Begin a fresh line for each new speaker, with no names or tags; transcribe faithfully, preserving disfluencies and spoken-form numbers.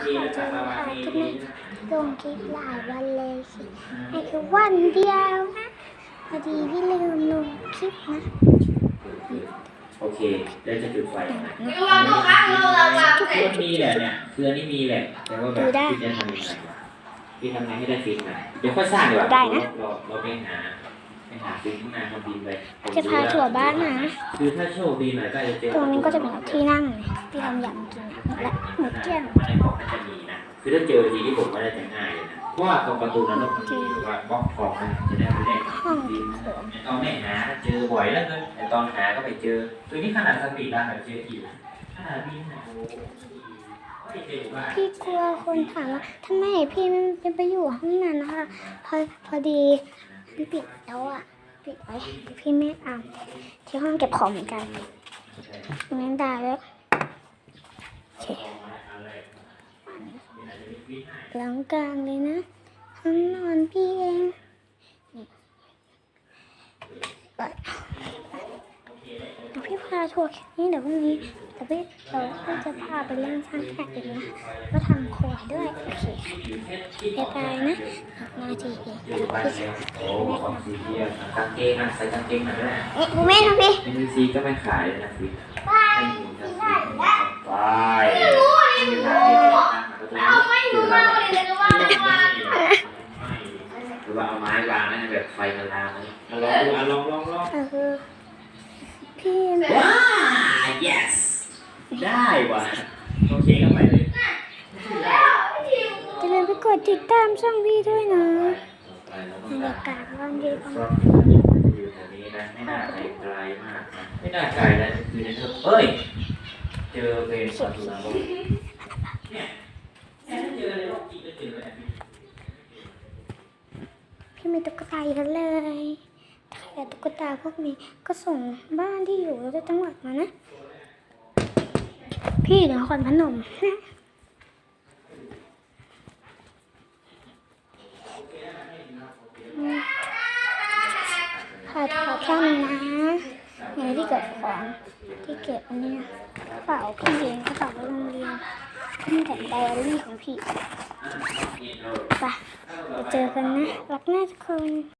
ขอเจอค่ะที่ไม่ลงคลิปหลายวันเลยสิไอ้คือวันเดียวนะพอดีพี่ลืมลงคลิปนะ
โอเคเดี๋ยวจะจุดไฟมันมีแหละเนี่ยคืออันนี้มีแหละแต่ว่าแบบพี่จะทำยังไงพี่ทำไงให้ได้ฟิตนะเดี๋ยวค่อยสร้างดีกว่าเราเราไปหาไปหาฟิตข้างหน้าทำดินไป
จะพาถั่วบ้านนะ
คือถ้าโชคดีหน่อยก็จะเจอ
ตรงนี้ก็จะเป็นที่นั่งที่ทำยำกินและหมูเกี้ยง
ในกล่องน่าจะมีนะคือถ้าเจอทีที่ผมไม่ได้จะง่ายเลยนะเพราะว่าตรงประตูนั้นต้องมีว่าบล็อกของมันจะได้ไม่ได้
ห้อง
ของตอนไม่หาเจอบ่อยแล้วกันแต่ตอนหาก็ไปเจอตัวนี้ขนาดสปีดรันแบบเจออีกขนาดนี้นะ
พี่กลัวคนถามว่าทำไมพี่ไม่ไปอยู่ห้องนั้นนะคะพอพอดีมันปิดแล้วอ่ะปิดไว้พี่ไม่อ่านที่ห้องเก็บของเหมือนกันงั้นได้แล้วโอเคหลังกลางเลยนะห้องนอนพี่เองนี่พี่พาทัวร์แค่นี้เดี๋ยวพรุ่งนี้แต่พี่เราก็จะพาไปเล่นช่างแขกอีกนะก็ทำครัวด้วยโอเคบ๊ายบายนะนาทีเองพี่
โอ้ของซีเรียสกางเกงนะใส่กางเกงหน่อยด้วย
เอ๊ะกูแม่นะพี่
เอ็นซีก็ไม่ขายนะฟิตไม่มีจะฟิตไป
ไม่รู้นี่หนูเอาไม่รู้มาเลยเลยก็ว่าว่า
หรือว่าเอาไม้วางนะแบบไฟมันลามเลยลองดูอ่ะลองลองลอง
คือพี่
ว้า yes ได้ว่ะโอเคก็ไปเลย
จะลืมไปกดติดตามช่องพี่ด้วยนะบรรยากาศวันดีของ
อยู่แถวนี้นะไม่น่าไกลไกลมากนะไม่น่าไกลแล้วคือในเธอเอ้ยเจอเป็นคนดูแลเนี่ยแค่เจอในโลกจริงก็เจอแบบนี้
พี่มีตุ๊กตาเยอะเลยถ้าอยากตุ๊กตาพวกนี้ก็ส่งบ้านที่อยู่ในจังหวัดมานะพี่นครพนมขอถอดแค่นี้นะอย่างที่เก็บของที่เก็บอันนี้กระเป๋าพี่เองกระเป๋าโรงเรียนนี่แต่ไดอารี่ของพี่ไปเจอกันนะรักหน้าทุกคน